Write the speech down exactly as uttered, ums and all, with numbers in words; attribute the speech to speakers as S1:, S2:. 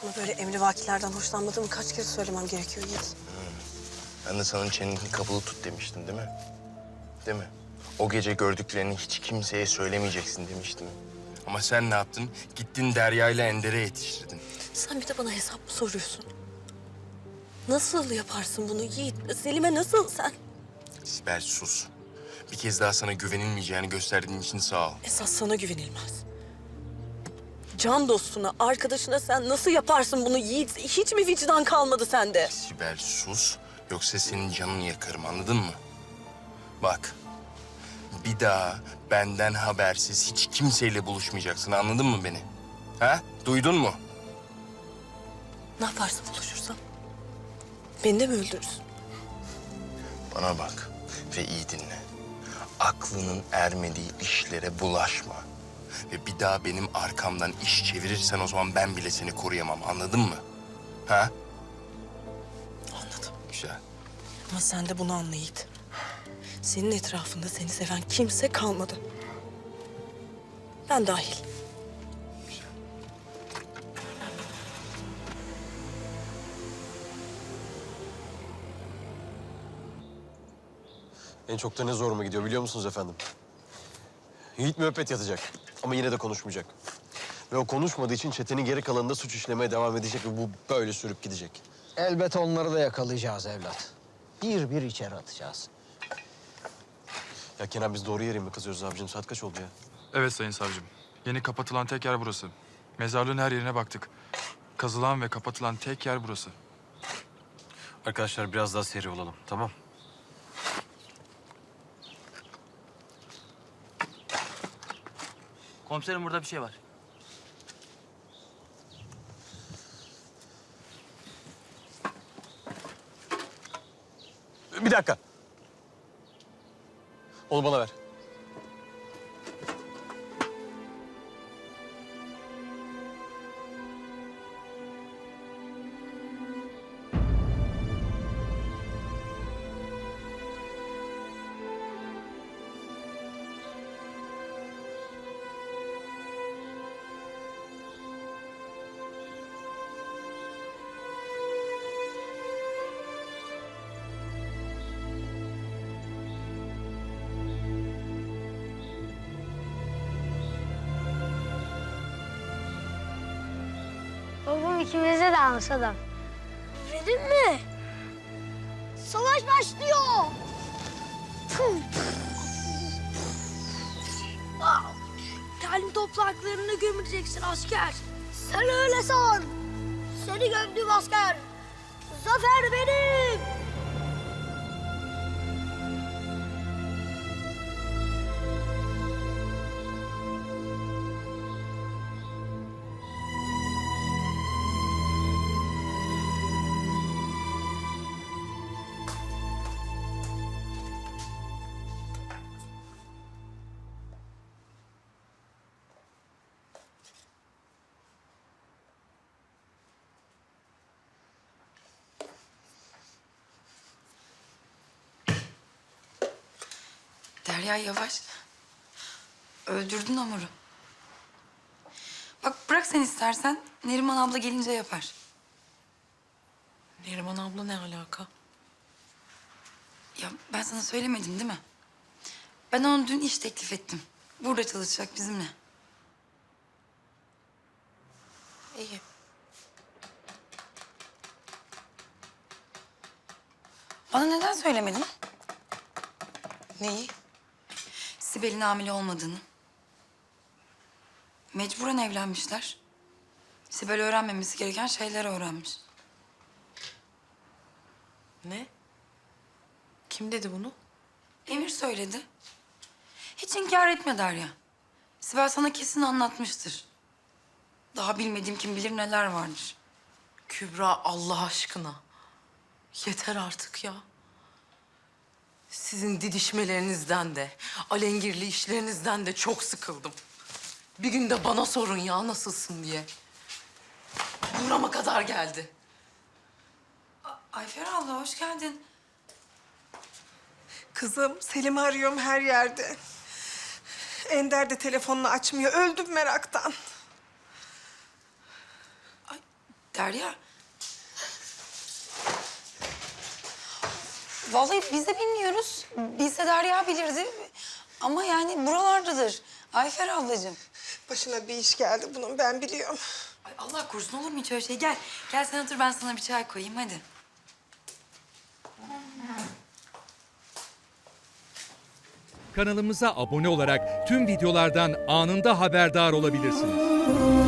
S1: Ama böyle emrivakilerden hoşlanmadığımı kaç kere söylemem gerekiyor Yiğit.
S2: Ben de sana çeneni kapalı tut demiştim değil mi? Değil mi? O gece gördüklerini hiç kimseye söylemeyeceksin demiştim. Ama sen ne yaptın? Gittin Derya ile Ender'e yetiştirdin.
S1: Sen bir de bana hesap mı soruyorsun? Nasıl yaparsın bunu Yiğit? Selim'e nasıl sen?
S2: Sibel sus. Bir kez daha sana güvenilmeyeceğini gösterdiğin için sağ ol.
S1: Esas sana güvenilmez. Can dostuna, arkadaşına sen nasıl yaparsın bunu Yiğit? Hiç mi vicdan kalmadı sende?
S2: Sibel sus. Yoksa senin canını yakarım, anladın mı? Bak, bir daha benden habersiz hiç kimseyle buluşmayacaksın, anladın mı beni? Ha? Duydun mu?
S1: Ne yaparsın buluşursam? Beni de mi öldürürsün?
S2: Bana bak ve iyi dinle. Aklının ermediği işlere bulaşma. Ve bir daha benim arkamdan iş çevirirsen o zaman ben bile seni koruyamam, anladın mı? Ha?
S1: Anladım.
S2: Güzel.
S1: Ama sen de bunu anla Yiğit. Senin etrafında seni seven kimse kalmadı. Ben dahil.
S2: Güzel.
S3: En çok da ne zoruma gidiyor biliyor musunuz efendim? Yiğit müebbet yatacak ama yine de konuşmayacak. Ve o konuşmadığı için çetenin geri kalanında suç işlemeye devam edecek ve bu böyle sürüp gidecek.
S4: Elbet onları da yakalayacağız evlat. Bir bir içeri atacağız.
S3: Ya Kenan biz doğru yere mi kazıyoruz abicim? Saat kaç oldu ya?
S5: Evet sayın savcım. Yeni kapatılan tek yer burası. Mezarlığın her yerine baktık. Kazılan ve kapatılan tek yer burası.
S3: Arkadaşlar biraz daha seri olalım, tamam?
S6: Komiserim burada bir şey var.
S3: Bir dakika. Onu bana ver.
S7: Babam ikimize de almış adam. Verin mi? Savaş başlıyor. Talim topraklarını gömüleceksin asker. Sen öyle san. Seni gömdüm asker. Zafer benim.
S8: Derya yavaş. Öldürdün Amur'u. Bak bırak sen istersen. Neriman abla gelince yapar.
S1: Neriman abla ne alaka?
S8: Ya ben sana söylemedim değil mi? Ben ona dün iş teklif ettim. Burada çalışacak bizimle.
S1: İyi.
S8: Bana neden söylemedin?
S1: Neyi?
S8: Sibel'in hamile olmadığını. Mecburen evlenmişler. Sibel öğrenmemesi gereken şeyler öğrenmiş.
S1: Ne? Kim dedi bunu?
S8: Emir söyledi. Hiç inkar etme Derya. Sibel sana kesin anlatmıştır. Daha bilmediğim kim bilir neler vardır.
S9: Kübra Allah aşkına. Yeter artık ya. Sizin didişmelerinizden de, alengirli işlerinizden de çok sıkıldım. Bir gün de bana sorun ya nasılsın diye. Burama kadar geldi.
S8: Ayfer abla hoş geldin.
S10: Kızım, Selim'i arıyorum her yerde. Ender de telefonunu açmıyor. Öldüm meraktan.
S8: Derya. Vallahi biz de bilmiyoruz. Biz de Derya bilirdi. Ama yani buralardadır. Ayfer ablacığım.
S10: Başına bir iş geldi bunun, ben biliyorum.
S8: Ay Allah korusun, olur mu hiç öyle şey? Gel, gel sen otur, ben sana bir çay koyayım hadi.
S6: Kanalımıza abone olarak tüm videolardan anında haberdar olabilirsiniz.